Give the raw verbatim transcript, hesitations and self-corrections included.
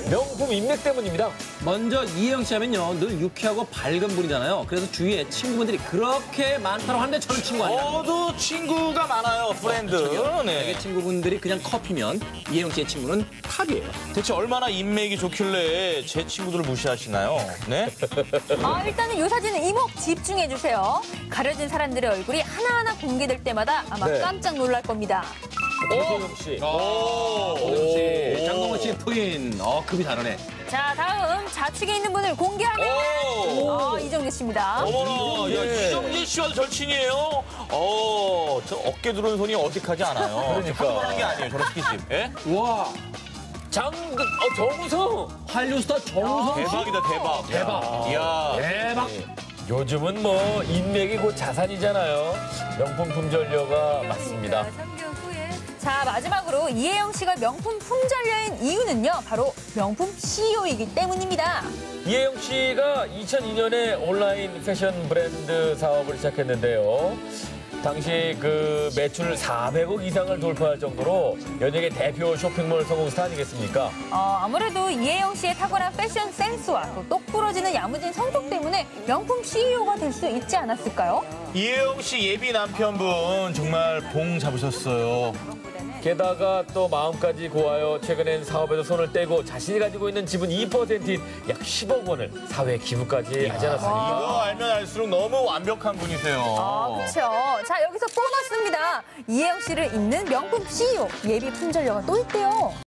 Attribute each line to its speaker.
Speaker 1: 명품 인맥 때문입니다.
Speaker 2: 먼저 이혜영 씨 하면요, 늘 유쾌하고 밝은 분이잖아요. 그래서 주위에 친구분들이 그렇게 많다고 하는데 저는 친구 아니에요.
Speaker 3: 저도 친구가 많아요, 프렌드. 네.
Speaker 2: 되게 친구분들이 그냥 커피면 이혜영 씨의 친구는 탑이에요.
Speaker 3: 대체 얼마나 인맥이 좋길래 제 친구들을 무시하시나요? 네?
Speaker 4: 아, 일단은 이 사진은 이목 집중해주세요. 가려진 사람들의 얼굴이 하나하나 공개될 때마다 아마
Speaker 1: 네.
Speaker 4: 깜짝 놀랄 겁니다.
Speaker 1: 오소영 씨.
Speaker 2: 오소영 씨, 장동건 씨의 부인. 어, 급이 다르네.
Speaker 4: 자, 다음 좌측에 있는 분을 공개하면 어, 이정재 씨입니다.
Speaker 3: 어머나, 야, 이정재 씨와도 절친이에요? 어, 저 어깨 두른 손이 어색하지 않아요.
Speaker 1: 그러니까.
Speaker 3: 평범한 게 아니에요, 저런 스킨십. 예?
Speaker 2: 와,
Speaker 1: 장, 어, 정우성.
Speaker 2: 한류 스타 정우성 씨.
Speaker 3: 대박이다, 대박.
Speaker 2: 대박.
Speaker 3: 이야.
Speaker 2: 대박.
Speaker 1: 요즘은 뭐 인맥이 곧 자산이잖아요. 명품 품절녀가 맞습니다.
Speaker 4: 자, 마지막으로 이혜영 씨가 명품 품절녀인 이유는요, 바로 명품 씨이오이기 때문입니다.
Speaker 1: 이혜영 씨가 이천이 년에 온라인 패션 브랜드 사업을 시작했는데요. 당시 그 매출 사백억 이상을 돌파할 정도로 연예계 대표 쇼핑몰 성공 스타 아니겠습니까?
Speaker 4: 어, 아무래도 이혜영 씨의 탁월한 패션 센스와 또 똑부러지는 야무진 성격 때문에 명품 씨이오가 될 수 있지 않았을까요?
Speaker 3: 이혜영 씨 예비 남편분 정말 봉 잡으셨어요.
Speaker 1: 게다가 또 마음까지 고하여 최근엔 사업에서 손을 떼고 자신이 가지고 있는 지분 이 퍼센트인 약 십억 원을 사회 기부까지 하지 않았습니까?
Speaker 3: 이거 알면 알수록 너무 완벽한 분이세요.
Speaker 4: 아, 그렇죠. 자, 여기서 보너스입니다. 이혜영 씨를 잇는 명품 씨이오 예비 품절녀가 또 있대요.